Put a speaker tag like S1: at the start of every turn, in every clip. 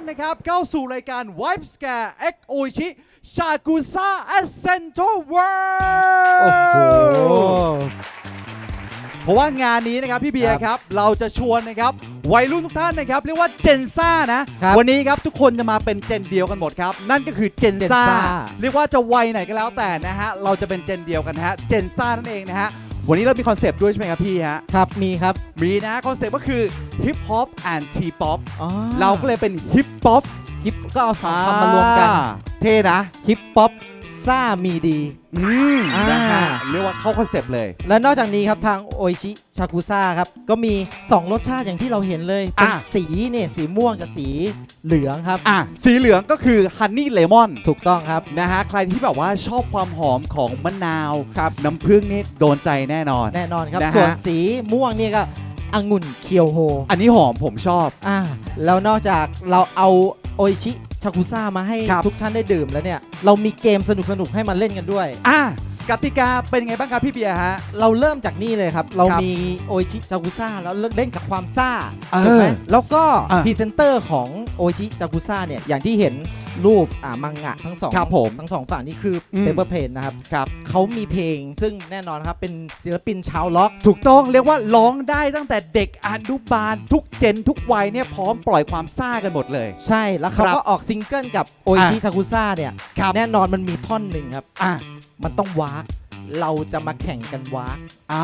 S1: นะครับเข้าสู่รายการ Vibe Scare X Oishi Shakusa Essential
S2: โอ้โห
S1: World เพราะว่างานนี้นะครับพี่เบียร์ครับเราจะชวนนะครับวัยรุ่นทุกท่านนะครับเรียกว่าเจนซ่านะวันนี้ครับทุกคนจะมาเป็นเจนเดียวกันหมดครับนั่นก็คือเจนซ่าเรียกว่าจะวัยไหนก็แล้วแต่นะฮะเราจะเป็นเจนเดียวกันฮะเจนซ่านั่นเองนะฮะวันนี้เรามีคอนเซปต์ด้วยใช่ไหมครับพี่ฮะ
S2: ครับมีครับ
S1: มีนะคอนเซปต์ก็คือ Hip Hop and T-Pop เราก็
S2: เ
S1: เลยเป็น Hip Hop
S2: ฮิปก็เอาสองคำมารวมกัน
S1: เท่นะ
S2: ฮิปป๊อปซ่ามีดี
S1: นะฮะเรียกว่าเข้าคอนเซปต์เลย
S2: และนอกจากนี้ครับทางโออิชิชากุซ่าครับก็มี2รสชาติอย่างที่เราเห็นเลยเป็นสีเนี่ยสีม่วงกับสีเหลืองครับ
S1: สีเหลืองก็คือฮันนี่เลมอน
S2: ถูกต้องครับ
S1: นะฮะใครที่แบบว่าชอบความหอมของมะนาวครับน้ำผึ้งนี่โดนใจแน่นอน
S2: ครับส่วนสีม่วงนี่ก็องุ่นเคียวโฮ
S1: อันนี้หอมผมชอบ
S2: แล้วนอกจากเราเอาโออิชิชากุซ่ามาให้ทุกท่านได้ดื่มแล้วเนี่ยเรามีเกมสนุกๆให้มันเล่นกันด้วย
S1: กติกาเป็นไงบ้างครับพี่เบียร์ฮะ
S2: เราเริ่มจากนี่เลยครับเรามีโออิชิจากุซ่าแล้วเล่นกับความซ่าถูกไหมแล้วก็พรีเซนเตอร์ของโออิชิจากุซ่าเนี่ยอย่างที่เห็นรูปมังงะทั้งสองฝั่งนี่คือเปเปอร์เพลนนะครับเขามีเพลงซึ่งแน่นอนครับเป็นศิลปินชาวล็อก
S1: ถูกต้องเรียกว่าร้องได้ตั้งแต่เด็กอนุบาลทุกเจนทุกวัยเนี่ยพร้อมปล่อยความซ่ากันหมดเลย
S2: ใช่แล้วเขาก็ออกซิงเกิลกับโออิชิจากุซ่าเนี่ยแน่นอนมันมีท่อนหนึ่งครับมันต้องวากเราจะมาแข่งกันวาก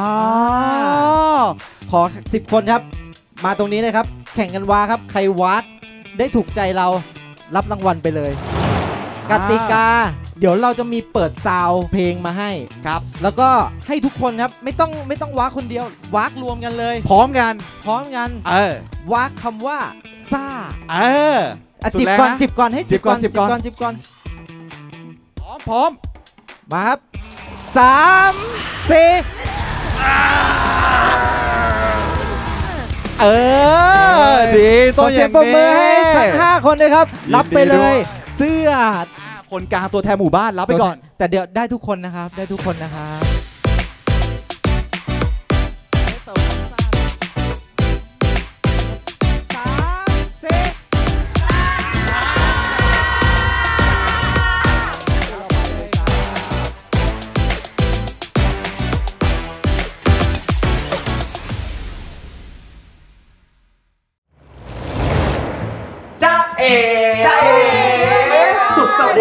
S2: ขอ10 คนครับมาตรงนี้เลยครับแข่งกันวากครับใครวากได้ถูกใจเรารับรางวัลไปเลยกติกาเดี๋ยวเราจะมีเปิดซาวเพลงมาให้
S1: ครับ
S2: แล้วก็ให้ทุกคนครับไม่ต้องวากคนเดียววากรวมกันเลย
S1: พร้อมกัน
S2: วากคำว่าซ่า
S1: จิบ
S2: ก่อนให้จิบก่อน
S1: พร้อม
S2: มาครับ3 4
S1: ดี
S2: ต้องอย่างนี้มือให้ทั้ง5 คนเลยครับรับไปเลยเสื้อ
S1: คนกลางตัวแทนหมู่บ้านรับไปก่อน
S2: แต่เดี๋ยวได้ทุกคนนะครับ
S1: สุดสวัสดี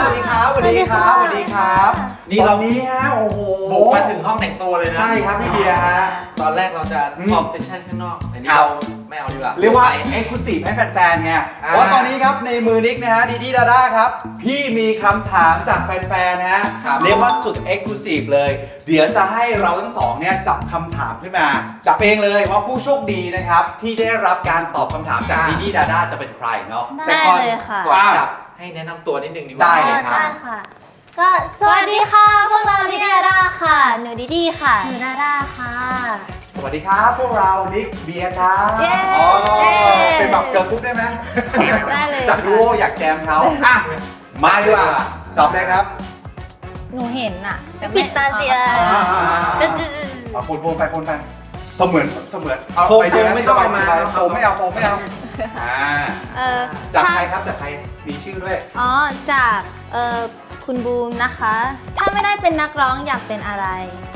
S1: ครับนี่เรานี้ฮะโอ้โห
S3: บุกมาถึงห้องแต่งตัวเลยนะ
S1: ใช่ครับพี่เบียร์ฮะ
S3: ตอนแรกเราจะทอล์กเซสชั่นข้างนอกแต่นี่เราไม่เอาดีกว่า
S1: เรียกว่าเอ็กซ์คลูซีฟให้แฟนๆไงเพราะตอนนี้ครับในมือนิกนะฮะดีดีดาด้าครับพี่มีคำถามจากแฟนๆนะฮะเรียกว่าสุดเอ็กซ์คลูซีฟเลยเดี๋ยวจะให้เราทั้งสองเนี่ยจับคำถามขึ้นมาจับเองเลยว่าผู้โชคดีนะครับที่ได้รับการตอบคำถามจากดีดีดาด้าจะเป็นใครเนาะ
S4: ได้เลยค่ะ
S3: ก่อนจับให้แนะนำตัวนิดนึงดีกว่า
S1: ได้เลยครับ
S4: ก็สวัสดีค่ะพวกเราดิดาด้าค่ะหนูดิดีค่ะหนูดาด้าค่ะ
S1: สวัสดีครับพวกเรานิกเบียร์ครับเป็นแบบเกิร์ลกรุ๊ปได้ไหม
S4: ได้เลย
S1: จากดูโออยากแจมเขามาดีกว่าจอบเลยครับ
S4: หนูเห็นอ่ะปิดตาเสีย
S1: คนไปเสมือน
S3: เอาไปเจอไม่ต้องมา
S1: โฟมไม่เอาจากใครครับจากใครมีชื่อด้วย
S4: จากคุณบูมนะคะถ้าไม่ได้เป็นนักร้องอยากเป็นอะไร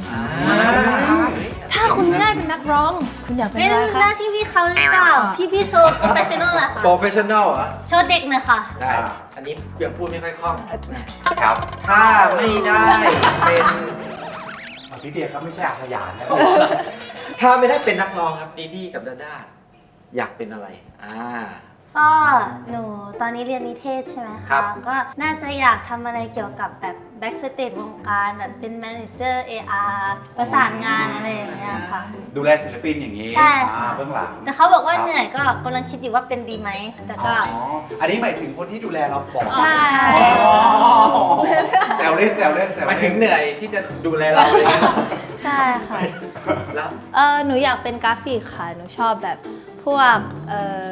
S4: ถ้าคุณไม่ได้เป็นนักร้องคุณอยากเป็นอะไรคะเป็นหน้าที่พี่เขาหรือเปล่าพี่โชว์โปรเฟชชั่นอลอะค่ะ
S3: โปรเฟชชั่นอลเหรอ
S4: โชว์เด็กหน่อยค่ะ
S3: ได้อันนี้ยังพูดไม่ค่อยคล่อง
S1: ครับ
S3: ถ้าไม่ได้เป็น
S1: พี่เบียร์ก็ไม่ใช่อาขยานนะ
S3: ถ้าไม่ได้เป็นนักร้องครับดีดีกับดาด้าอยากเป็นอะไร
S4: ก็หนูตอนนี้เรียนนิเทศใช่ไหมคะก็น่าจะอยากทำอะไรเกี่ยวกับแบบแบ็กสเตจวงการแบบเป็นแมเนเจอร์ AR ประสานงานอะไรอย่างเงี้ยค่ะ
S1: ดูแลศิลปินอย่างนี้
S4: ใช่ค่ะ
S1: เบื้องหลัง
S4: แต่เขาบอกว่าเหนื่อยก็กำลังคิดอยู่ว่าเป็นดีไหมแต่ก็
S1: อันนี้หมายถึงคนที่ดูแลเราบอก
S4: ใช่
S1: แซวเล่น
S3: หมายถึงเหนื่อยที่จะดูแลเรา
S4: ใช่ค่ะ
S3: แล้ว
S4: หนูอยากเป็นกราฟิกค่ะหนูชอบแบบพวก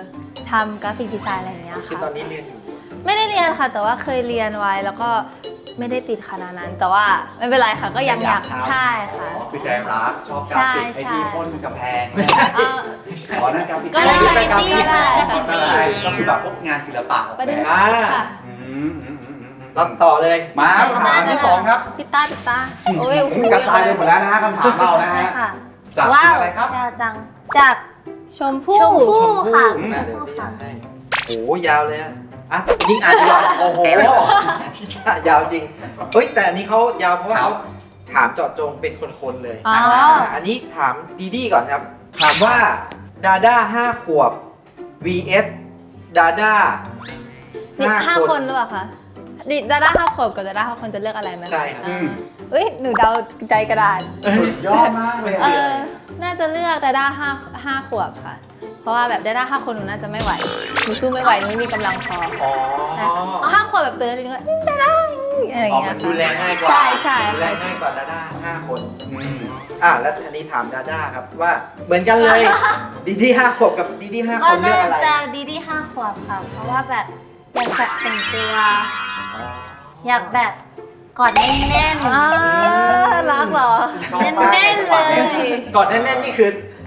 S4: ทำกราฟิกดีไซน์อะไรอย่างเงี้ยค่ะ
S3: คือตอนนี้เรียนอยู่
S4: ไม่ได้เรียนค่ะแต่ว่าเคยเรียนไว้แล้วก็ไม่ได้ติดขนาดนั้น แต่ว่าไม่เป็นไรค่ะก็ยังอยากใช่ค่ะ
S1: คือใจรักชอบกราฟิกไอทีพ่นกำแพง
S4: เอ่อ
S1: ขอนั่นกราฟิก
S4: ก็ได้กราฟิกตี้ค่ะ
S1: ก็คือแบบพวกงานศิลปะ
S4: ประเด็น
S3: อ่า
S4: ค่ะ
S3: เราต่อเลย
S1: มาคำถามที่สองครับ
S4: พิต้าโอ้ย
S1: กระจายไปหมดแล้วนะฮะคำถามเรานะฮะ
S4: ค่ะ
S1: จาก
S4: ว้าว
S1: อะไรครับ
S4: ยาวจังจากชมพู่ค่ะ
S1: อืม
S4: ชมพู่ค่ะ
S3: โอ้ยาวเลยอ่ะยิ่งอ่านยาว
S1: โอ้โห
S3: ยาวจริงเฮ้ยแต่อันนี้เขายาวเพราะว่า
S1: ครั
S3: เขา
S1: บ
S3: ถามเจาะจงเป็นคนๆเลย
S4: อ๋อ
S3: อันนี้ถามดีๆก่อนครับ ถามว่าดาด้า5 ขวบ vs ดาด้า
S4: นี่ห้า
S3: 5
S4: คน หรือเปล่าคะดิดาด้า5 ขวบกับดาด้า5 คนจะเลือกอะไรไหมะ
S3: ใช่ครับ
S4: อ่าเอ้ยหนูเดาใจกระดาษ
S1: สุดยอดมากเลย
S4: น่าจะเลือกดาด้า5 ขวบค่ะ เพราะว่าแบบดาด้า5 คนหนูน่าจะไม่ไหวหนูสู้ไม่ไหวหนูไม่มีกำลังพอ
S3: อ๋อ
S4: เอา5 ขวบแบบเตือนนิดนึงว่าดาด้าอะไรอย่าง
S3: อ๋อ
S4: เงี้
S3: มั
S4: ย
S3: นดูแลง่ายกว่า
S4: ใช่
S3: ดูแลง่ายกว่าดาด้า5 คน
S1: อืม
S3: แล้วอันนี้ถามดาด้าครับว่าเหมือนกันเลย ดีดี5 ขวบกับดีดี5
S4: ก็
S3: คนเลือ
S4: น่าก
S3: อะไร
S4: จะดีดี5 ขวบค่ะ เพราะว่าแบบอยากแบบแต่งตัวอยากแบบกอดแน่นๆรักเหรอ
S1: ชอบมาก
S4: แน่นๆเลย
S3: ก่อนแน่นๆนี่คือ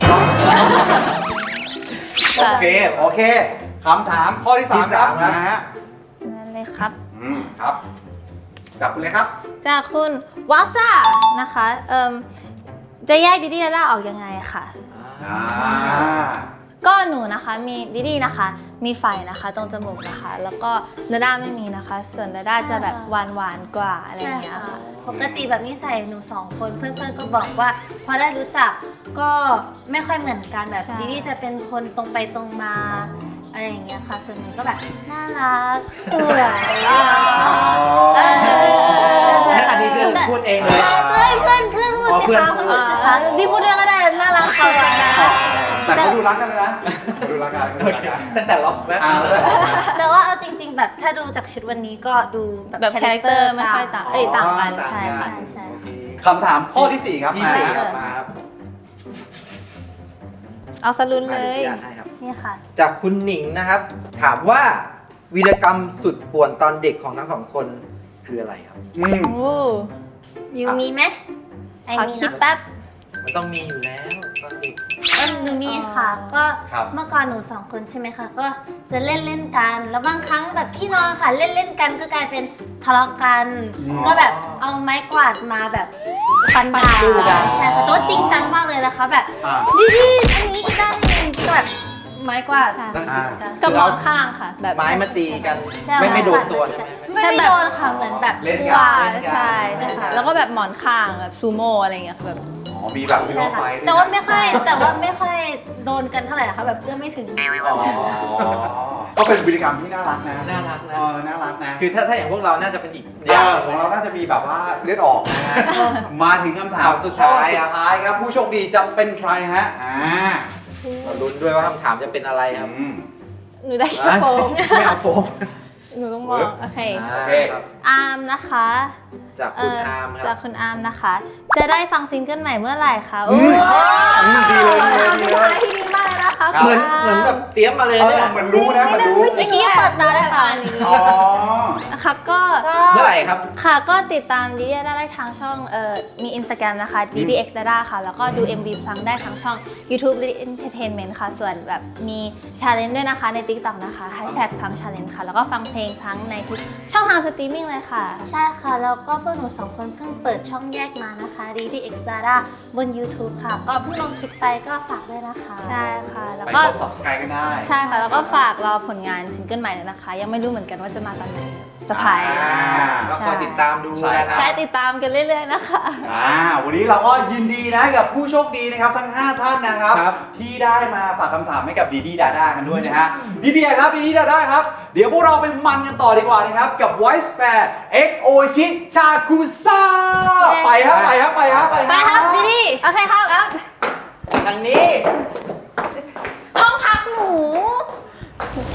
S1: โอเคคำถามข้อที่สามครับ
S3: ที่สามครับ
S1: นะฮะ
S4: นั่นเลยครับ
S1: ครับจับคุณเลยครับ
S4: จากคุณวาซ่านะคะจะแยกดิดี้ดาด้าออกยังไงค่ะ
S1: อ่า
S4: ก็หนูนะคะมีดิดี้นะคะ มีไฟนะคะตรงจมูกนะคะ แล้วก็ดาด้าไม่มีนะคะ ส่วนดาด้าจะแบบหวานกว่าอะไรอย่างเงี้ยค่ะ
S5: ปกติแบบนี้ใส่หนู2 คนเพื่อนๆก็บอกว่า พอได้รู้จักก็ไม่ค่อยเหมือนกันแบบ
S4: ใช่
S5: ดิดี้จะเป็นคนตรงไปตรงมาอะไรอย่างเงี้ยค่ะ ส่วนหนูก็แบบน่ารักสวย
S3: อันนี้คือพูดเองเลย
S5: เพื่อนพูดสิคะเพื่อนพูดสิคะ
S4: ที่พูดด้วยก็ได้น่ารักเขาไปนะ
S1: แต่เขาดูรักกันเลยนะเขาดูรักกันเขาดูรักกัน
S3: ตั้งแต่ล็อกแล้ว
S5: แต่ว่าเอาจริง ๆ แบบถ้าดูจากชุดวันนี้ก็ดู
S4: แบบคาแรคเตอร์ไม่ค่อยต่างต่างกัน
S3: ต่าง
S4: ใช่
S3: กัน
S4: ค่ะ
S5: ใช่
S3: โอเค
S1: คำถามข้อที่สี่ครับ
S3: ที่สี่
S1: มา
S3: ครับมาครับ
S4: เอาสลุนเลย
S3: อนุญาตให้ครับ
S5: นี่ค่ะ
S3: จากคุณหนิงนะครับ ถามว่าวีรกรรมสุดป่วนตอนเด็กของทั้งสองคนคืออะไรครับ
S1: อืม
S4: โอ้
S5: ยูมีไหมไอ
S4: ขอ
S5: มี
S4: คิด
S5: นะ
S4: แป๊บ
S3: มันต้องมีอยู่แล้วตอนเด็ก
S5: หนูมีค่ะ ก็
S1: ครับ
S5: เมื่อก่อนหนู2 คนใช่ไหมคะ ก็จะเล่นกัน แล้วบางครั้งแบบพี่น้องค่ะเล่นกันก็กลายเป็นทะเลาะกัน ก็แบบเอาไม้กวาดมาแบบฟันดาบ
S3: สู้กัน
S5: ใช่ค่ะแตัวาจริงจังมากเลยนะคะ แบบ
S1: อ่า
S5: ดีๆอันนี้ก็ได้ก็แบบไม้กวาด
S4: ใช่
S1: อ่า
S4: กับหมอนข้างค่ะ แบบ
S3: ไม้มาตีกัน
S5: ใช่
S3: ไม่โดนตัวใช่ไหม
S5: ไม่โดนค่ะเหมือนแบบ
S1: เล่น
S4: ก
S1: กั
S4: ว่า
S1: น
S4: ใช่ใช่ค่ะ แล้วก็แบบหมอนข้างแบบซูโม่อะไรอย่างเงี้ยค่ะแบบ
S1: อ๋อมีแบบมี
S5: ใช่
S1: รถไฟ
S5: ค่ะแต่ว่าไม่ค่อยโดนกันเท่าไหร่นะคะแบบเอื้อมไม่ถึง
S3: อ๋อ
S1: ก็เป็นวิธีกรรมที่น่ารักนะ
S3: น่ารักนะ
S1: น่ารักนะ
S3: คือถ้าอย่างพวกเราน่าจะเป็นอีก
S1: ของเราน่าจะมีแบบว่าเลือดออกนะฮะมาถึงคำถาม
S3: สุดท้ายครับ
S1: สุดท้ายครับ ผู้โชคดีจะเป็นใครฮะ
S3: เราลุ้นด้วยว่าคำถามจะเป็นอะไรครับ
S4: หนูได้แค่โฟม
S3: ไม่เอาโฟม
S4: หนูต้องมอง โอเค
S3: โอเคครับ
S4: อาร์มนะคะ
S3: จากคุณอาร์มค
S4: จา
S3: รั
S4: ก
S3: บ
S4: คุณอาร์มนะคะ จะได้ฟังซิงเกิลใหม่เมื่อไหร่คะ
S1: อืมดีเลย
S4: ที่ดีมากเลยนะคะ
S3: เหมือนแบบเตรียมมาเลยเนี่ย
S1: เหมือนรู้นะเหมือนรู้
S5: เมื่อกี้เปิดตาได้ค่ะ
S1: อ๋อ
S4: นะคะก็
S3: เมื่อไหร่ครับ
S4: ค่ะก็ติดตามดิดาได้ทางช่องมี Instagram นะคะ ddx dada ค่ะ แล้วก็ดู MV ฟังได้ทางช่อง YouTube Entertainment ค่ะ ส่วนแบบมี challenge ด้วยนะคะใน TikTok นะคะ #ฟัง challenge ค่ะ แล้วก็ฟังเพลงทั้งในทุกช่องทางสตรีมมิ่งเลยค่ะ
S5: ใช่ค่ะ แล้วก็พวกหนู2 คนเพิ่งเปิดช่องแยกมานะคะ DDX Dada บน YouTube ค่ะ ก็เพิ่งลงคลิปไปก็ฝากด้วยนะคะ
S4: ใช่ค่ะ แล้ว
S1: ไป
S4: ก็
S1: กด subscribe กันได้
S4: ใช่ค่ะ แล้วก็ฝากรอผลงานซิงเกิลใหม่เลยนะคะ ยังไม่รู้เหมือนกันว่าจะมาตอนไหนสปาย
S3: ก็คอยติดตามดู
S1: ใช่
S3: นะ
S4: ใช่ติดตามกันเรื่อยๆนะคะ
S1: วันนี้เราก็ยินดีนะกับผู้โชคดีนะครับทั้ง 5 ท่านนะครับ
S3: ครับ
S1: ที่ได้มาฝากคำถามให้กับดีดีดาด้ากันด้วยนะฮะพี่เบียร์ครับดีดีดาด้าครับ เดี๋ยวพวกเราไปมันกันต่อดีกว่านะครับ กับ Voice Fair X Oishi Chakusa ไปครับไปครับไปครับ
S5: ไปครับดีดี
S4: โอเคครับ
S3: ทางนี้
S4: ห้องพักหนู
S5: ห